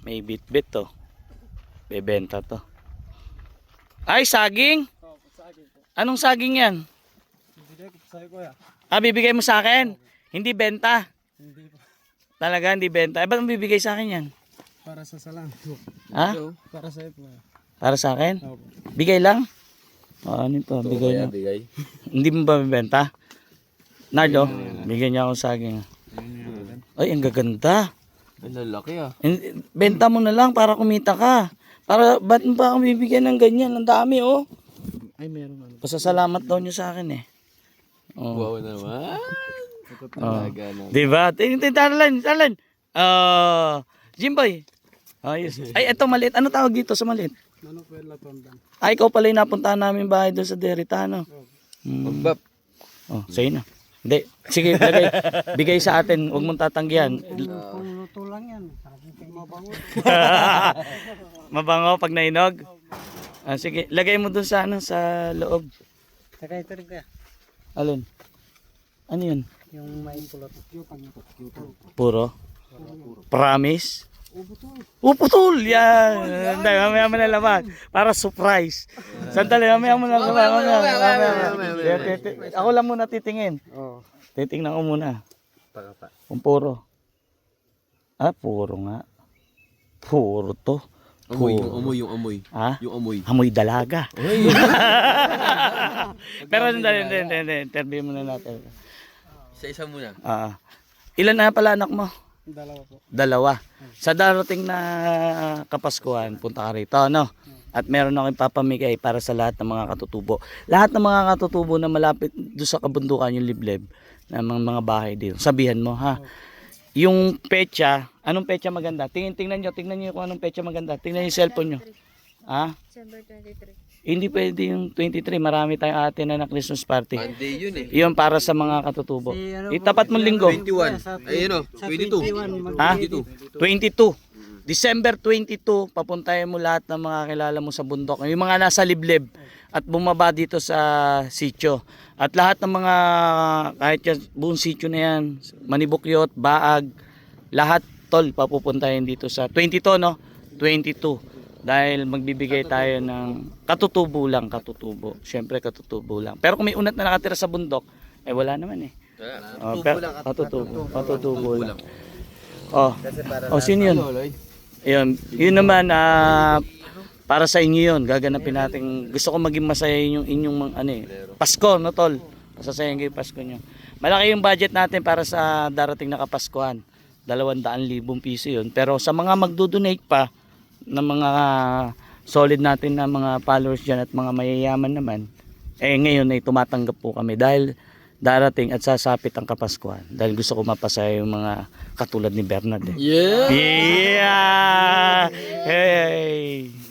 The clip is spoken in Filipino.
May bit-bit to. Bebenta to. Ay, saging? Oo, saging po. Anong saging yan? Bibigay ko sa'yo kuya. Ah, bibigay mo sa akin? Hindi benta? Hindi po. Talaga, hindi benta. Eh, ba't mo bibigay sa akin yan? Para sa salang. Ha? Para sa'yo po. Para sa akin? Oo. Bigay lang? Oh, ano ito? Bigay lang. Bigay. Hindi mo ba bibenta? Nardo, bigyan niya ako saging. Ay, ang gaganda. Ang lalaki ah. Benta mo na lang para kumita ka. Para, ba't mo pa ako bibigyan ng ganyan? Ang dami, oh. Ay, meron ano. Pasasalamat daw niyo sa akin, eh. Oh. Wow naman. Oh. Talaga na. Diba? Talan. Jimboy. Ayos. Ay, eto maliit. Ano tawag dito sa maliit? Ano po yung latondan? Ay, ikaw pala yung napuntahan namin bahay doon sa Deritano. Magbap. Oh, sa'yo na. Hindi. Sige, bigay sa atin. Huwag mong tatanggihan. Kung luto lang yan. Mabango. Mabango pag nainog. Ah, sige, lagay mo doon sa ano, sa loob. Saka ito rin kaya. Alin? Ano yun? Yung may pulot. Puro? Promise? Uputol! Yan! Hindi, mamaya mo nalaman. Para surprise. Sandali, mamaya mo nalaman. Ako lang muna titingin. Oo. Titingnan ko muna. Kung puro. Ah, puro nga. Puro to. Amoy, yung amoy. Ha? Yung amoy. Amoy dalaga. Pero hindi. Interview muna natin. Isa muna. Ilan na pala anak mo? Dalawa po. Dalawa. Sa darating na Kapaskuhan, punta ka rito, no? At meron akong papamigay para sa lahat ng mga katutubo. Lahat ng mga katutubo na malapit doon sa kabundukan yung liblib ng mga bahay dito. Sabihan mo, ha? Yung pecha, anong pecha maganda? Tingnan nyo kung anong pecha maganda. Tingnan yung cellphone nyo. Ha? December 23. Hindi pwede yung 23. Marami tayong atin na Christmas party. Monday yun eh. Yun para sa mga katutubo. Itapat mo linggo. 21. Ayun o. 22. Ha? 22. 22. December 22, papuntahin mo lahat ng mga kilala mo sa bundok. Yung mga nasa liblib at bumaba dito sa sitio. At lahat ng mga, kahit yan, buong sitio na yan, Manibukyot, Baag, lahat tol, papupuntahin dito sa 22, no? 22. Dahil magbibigay tayo ng katutubo. Siyempre katutubo lang. Pero kung may unat na nakatira sa bundok, eh wala naman eh. Katutubo lang. Sino yun? Yun naman, para sa inyo yun, gaganapin natin. Gusto ko maging masaya yung inyong Pasko, no tol? Masasayin kayo Pasko nyo. Malaki yung budget natin para sa darating na Kapaskuhan. 200,000 piso yun. Pero sa mga magdodonate pa, ng mga solid natin na mga followers dyan at mga mayayaman naman, ngayon ay tumatanggap po kami dahil darating at sasapit ang Kapaskuhan. Dahil gusto ko mapasaya yung mga katulad ni Bernard. Yeah! Yeah! Hey!